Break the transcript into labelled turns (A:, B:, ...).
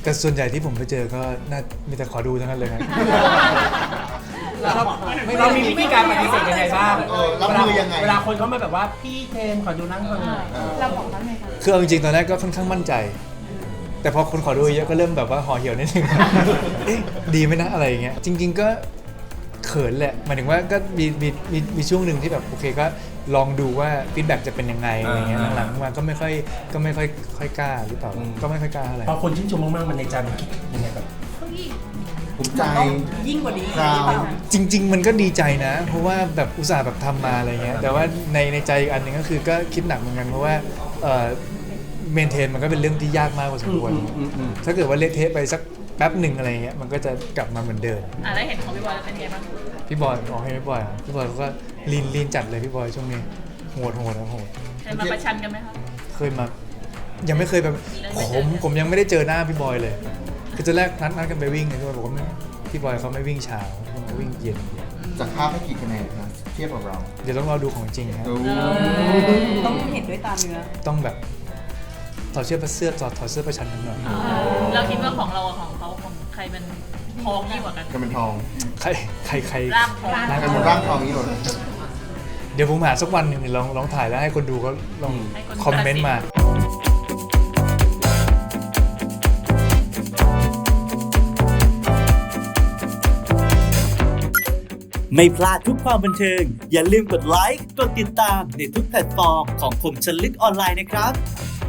A: แต่ส่วนใหญ่ที่ผมไปเจอก็น่ามีแต่ขอดูทั้งนั้นเลยครับ
B: เรามีวิธีการปฏิเสธยังไงบ้าง
C: รับมือยังไง
B: เวลาคนเขามาแบบว่าพี่เทมขอดูนั่งคนหน่อย
D: เราบอกเขาไงคะ
A: คือเอาจริงๆตอนแรกก็ค่อนข้างมั่นใจ แต่พอคนขอดูเยอะก็เริ่มแบบว่าห่อเหี่ยวนิดนึง เอ๊ะดีไหมนะอะไรอย่างเงี้ยจริง ๆก็เขินแหละหมายถึงว่าก็มีช่วงหนึ่งที่แบบโอเคก็ลองดูว่าฟีดแบ็กจะเป็นยังไงอะไรเงี้ยหลังๆมาก็ไม่ค่อยกล้าหรือเปล่าก็ไม่ค่อยกล้าอะไร
B: พอคนชื่นชมมากๆมันในใจมันคิดยังไงแบบ
C: ภูมิใจ
D: ยิ่งกว่านี้
C: ครับ
D: หรือเปล่า
A: จริง ๆ มันก็ดีใจนะ เพราะว่าแบบอุตส่าห์แบบทำมาอะไรเงี้ยแต่ว่าในใจอีกอันหนึ่งก็คือก็คิดหนักเหมือนกันเพราะว่าเมนเทนมันก็เป็นเรื่องที่ยากมากพอสมควรถ้าเกิดว่าเละเทะไปสักแป๊บหนึ่งอะไรเงี้ยมันก็จะกลับมาเหมือนเดิม
E: แล้วเห็นของพี่บอยแล้วเป็นไงบ้าง
A: พี่บอยอ๋อให้พี่บอยอ่ะพี่บอยเขาก็ลีนจัดเลยพี่บอยช่วงนี้โหดนะโหด
E: เคยมาประชันกันไหมคะ
A: เคยมายังไม่เคยแบบผมยังไม่ได้เจอหน้าพี่บอยเลยคือตอนแรกนัดกันไปวิ่งไงพี่บอยบอกว่าพี่บอยเขาไม่วิ่งเช้าเขาวิ่งเย็น
C: จากภาพให้กี่คะแนนนะเทียบกับเรา
A: เดี๋ยวต้องรอดูของจริงครับ
C: ดู
D: ต้องเห็นด้วยตาเนื้อ
A: ต้องแบบถอดเสื้อประชันกันหน่อย
E: เราคิดว่าของเรากับของเขาของใครเป็นทองยิ่งกว่ากัน
C: กันเป็นทอง
A: ใคร
E: ร่างทอง
C: กันเป็นร่างทองนี้เลย
A: เดี๋ยวผมหาสักวันหนึ่งลองถ่ายแล้วให้คนดูเขาลองคอมเมนต์มา
F: ไม่พลาดทุกความบันเทิง อย่าลืมกดไลค์ กดติดตามในทุกแพลตฟอร์มของคมชนลึกออนไลน์นะครับ